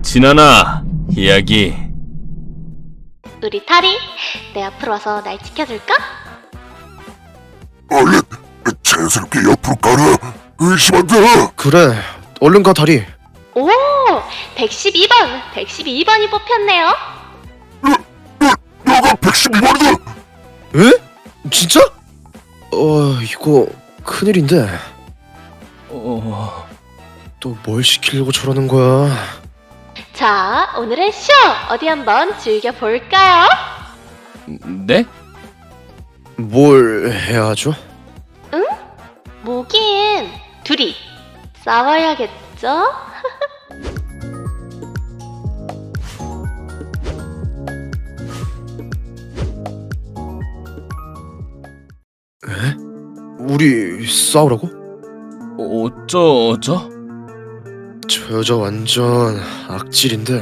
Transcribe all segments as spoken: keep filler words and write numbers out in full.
진아나, 이야기. 우리 타리, 내 앞으로 와서 날 지켜줄까? 얼른 자연스럽게 옆으로 가라. 의심한다. 그래, 얼른 가 다리. 오, 백십이 번, 백십이 번이 뽑혔네요. 너가 백십이 번이다. 에? 진짜? 어, 이거 큰일인데. 어... 또 뭘 시키려고 저러는 거야? 자, 오늘은 쇼! 어디 한번 즐겨볼까요? 네? 뭘 해야 하죠? 응? 뭐긴, 둘이 싸워야겠죠? 에? 우리 싸우라고? 어쩌죠? 저 여자 완전 악질인데.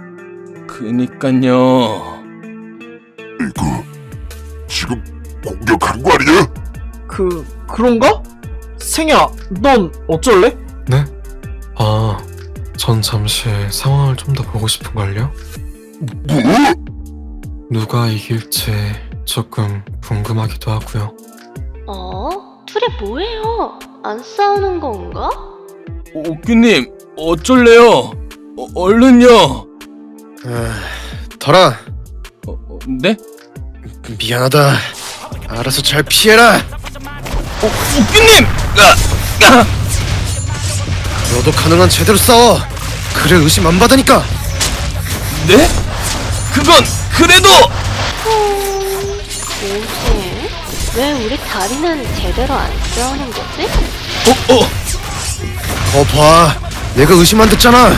그니깐요. 이거 지금 공격하는 거 아니야? 그... 그런가? 생야, 넌 어쩔래? 네? 아, 전 잠시 상황을 좀 더 보고 싶은걸요? 뭐? 누가 이길지 조금 궁금하기도 하고요. 어? 둘이 뭐해요? 안 싸우는 건가? 옥규님, 어쩔래요? 어, 얼른요. 아, 달아, 어, 어, 네? 미안하다. 알아서 잘 피해라. 어, 옥규님! 아, 아. 너도 가능한 제대로 싸워. 그래 의심 안 받으니까. 네? 그건 그래도! 음... 뭐지? 왜 우리 다리는 제대로 안 싸우는 거지? 어, 어. 거 봐, 내가 의심 안 듣잖아.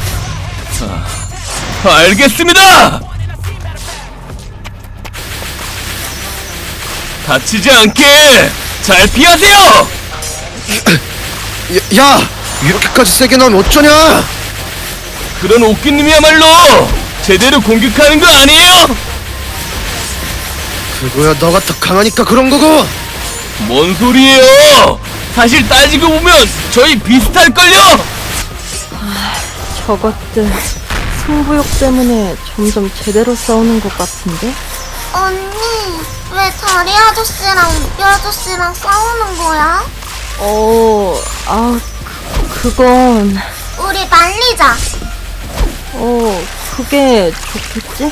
알겠습니다! 다치지 않게 잘 피하세요! 야, 야, 이렇게까지 세게 나오면 어쩌냐? 그런 옥규님이야말로 제대로 공격하는 거 아니에요? 그거야 너가 더 강하니까 그런 거고. 뭔 소리예요? 사실 따지고 보면 저희 비슷할걸요? 저것들 승부욕 때문에 점점 제대로 싸우는 것 같은데? 언니, 왜 다리 아저씨랑 묵비 아저씨랑 싸우는 거야? 어... 아... 그, 그건... 우리 말리자. 어... 그게 좋겠지?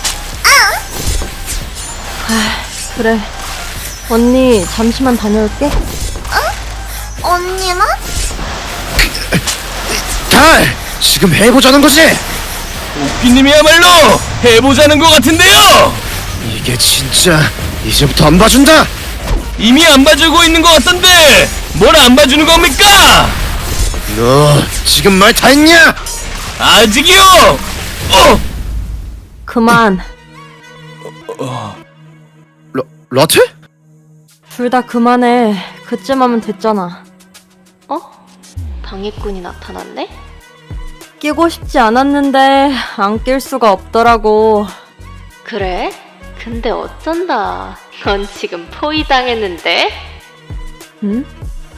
아... 그래. 언니 잠시만 다녀올게. 언니만? 달, 지금 해보자는 거지? 옥규님이야말로 해보자는 것 같은데요? 이게 진짜 이제부터 안 봐준다. 이미 안 봐주고 있는 것 같던데 뭘 안 봐주는 겁니까? 너 지금 말 다 했냐? 아직이요! 어! 그만. 러, 러트? 둘 다 그만해. 그쯤 하면 됐잖아. 어? 방해꾼이 나타났네? 끼고 싶지 않았는데 안 낄 수가 없더라고. 그래? 근데 어쩐다. 넌 지금 포위당했는데? 응?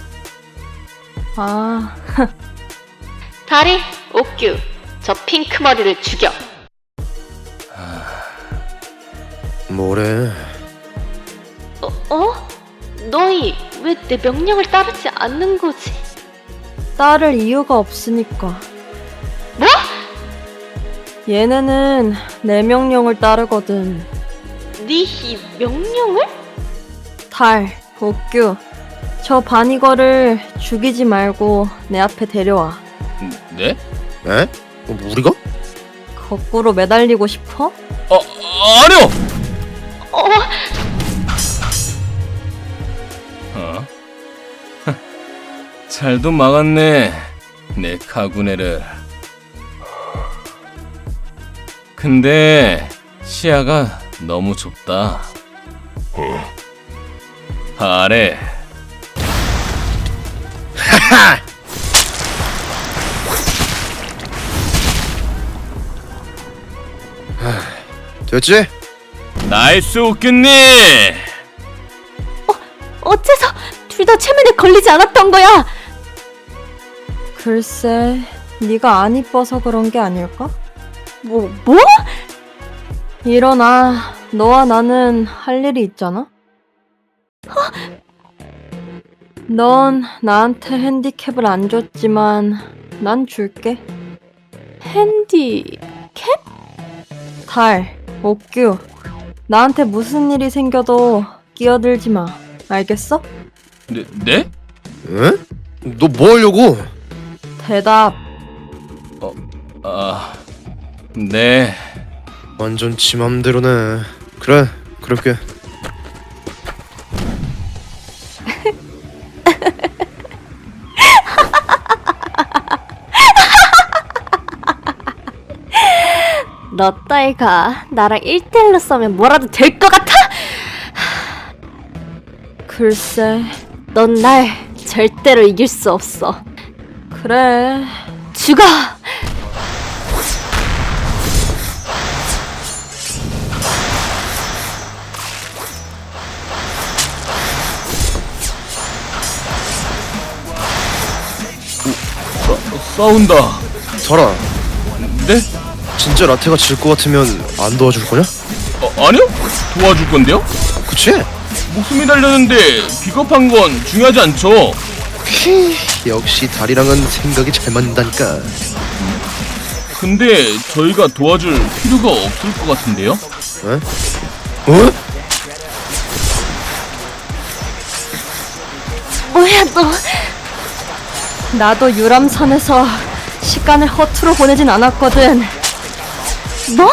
아... 다리, 옥규, 저 핑크 머리를 죽여. 뭐래? 어? 어? 너희 왜 내 명령을 따르지 않는 거지? 따를 이유가 없으니까. 뭐? 얘네는 내 명령을 따르거든. 네 이 명령을? 달, 옥규, 저 바니거를 죽이지 말고 내 앞에 데려와. 네? 에? 어, 우리가? 거꾸로 매달리고 싶어? 어, 아니요! 어? 어? 잘도 막았네, 내 카구네를. 근데 시야가 너무 좁다. 어, 아래. 하하! 됐지? 나이스 옥규님! 어째서 둘 다 체면에 걸리지 않았던 거야? 글쎄, 네가 안 이뻐서 그런 게 아닐까? 뭐, 뭐? 일어나. 너와 나는 할 일이 있잖아? 넌 나한테 핸디캡을 안 줬지만 난 줄게. 핸디... 달, 옥규. 나한테 무슨 일이 생겨도 끼어들지 마. 알겠어? 네? 네? 에? 너 뭐 하려고? 대답. 아... 네... 완전 지 맘대로네. 그래, 그럴게. 너 따위가 나랑 일 대일로 싸우면 뭐라도 될 것 같아? 글쎄. 넌 날 절대로 이길 수 없어. 그래. 죽어! 싸운다. 설아, 네? 진짜 라테가 질 것 같으면 안 도와줄 거냐? 어, 아니요? 도와줄 건데요? 그치? 목숨이 달렸는데 비겁한 건 중요하지 않죠? 역시 달이랑은 생각이 잘 맞는다니까. 근데 저희가 도와줄 필요가 없을 것 같은데요? 에? 어? 뭐야 너? 나도 유람선에서 시간을 허투루 보내진 않았거든. 뭐?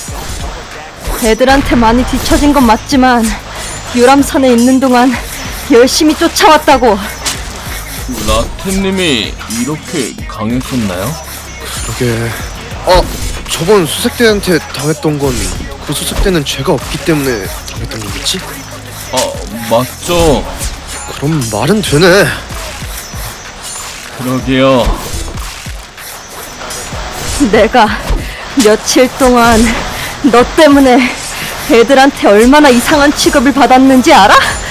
애들한테 많이 뒤처진 건 맞지만 유람선에 있는 동안 열심히 쫓아왔다고. 라템님이 이렇게 강했었나요? 그러게. 아, 저번 수색대한테 당했던 건 그 수색대는 죄가 없기 때문에 당했던 거겠지? 아, 맞죠. 그럼 말은 되네. 그러게요. 내가 며칠 동안 너 때문에 애들한테 얼마나 이상한 취급을 받았는지 알아?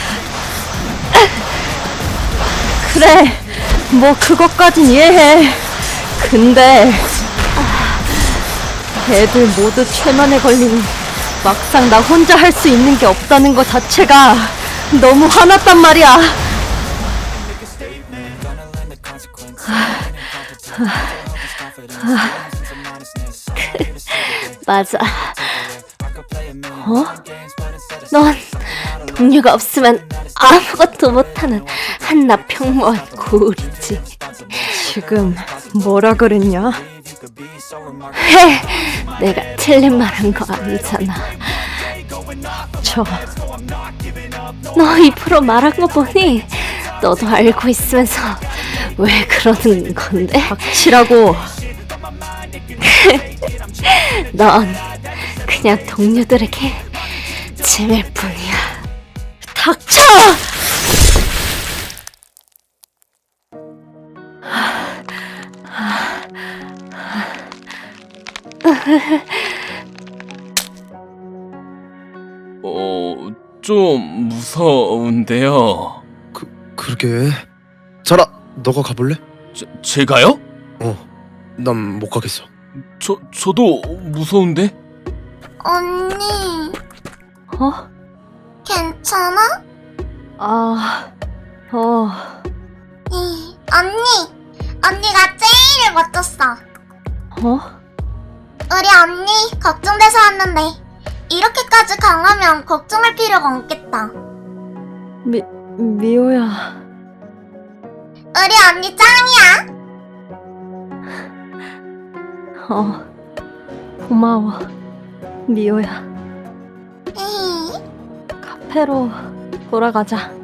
그래, 뭐 그것까진 이해해. 근데 애들 모두 최면에 걸리니 막상 나 혼자 할 수 있는 게 없다는 것 자체가 너무 화났단 말이야. 맞아. 어? 넌 동료가 없으면 아무것도 못하는 한낱 평범한 고울이지. 지금 뭐라 그랬냐? 해! 내가 틀린 말 한 거 아니잖아. 저 너 입으로 말한 거 보니 너도 알고 있으면서 왜 그러는 건데? 닥치라고. 넌 그냥 동료들에게 짐일 뿐이야. 닥쳐! 어, 좀 무서운데요. 그, 그러게. 설아, 너가 가볼래? 제, 제가요? 어, 난 못 가겠어. 저, 저도 무서운데? 언니, 어? 괜찮아? 아, 어, 이, 언니, 언니가 제일 멋졌어. 어? 우리 언니 걱정돼서 왔는데 이렇게까지 강하면 걱정할 필요가 없겠다. 미, 미호야. 우리 언니 짱이야. 어, 고마워. 미호야. 이, 카페로 돌아가자.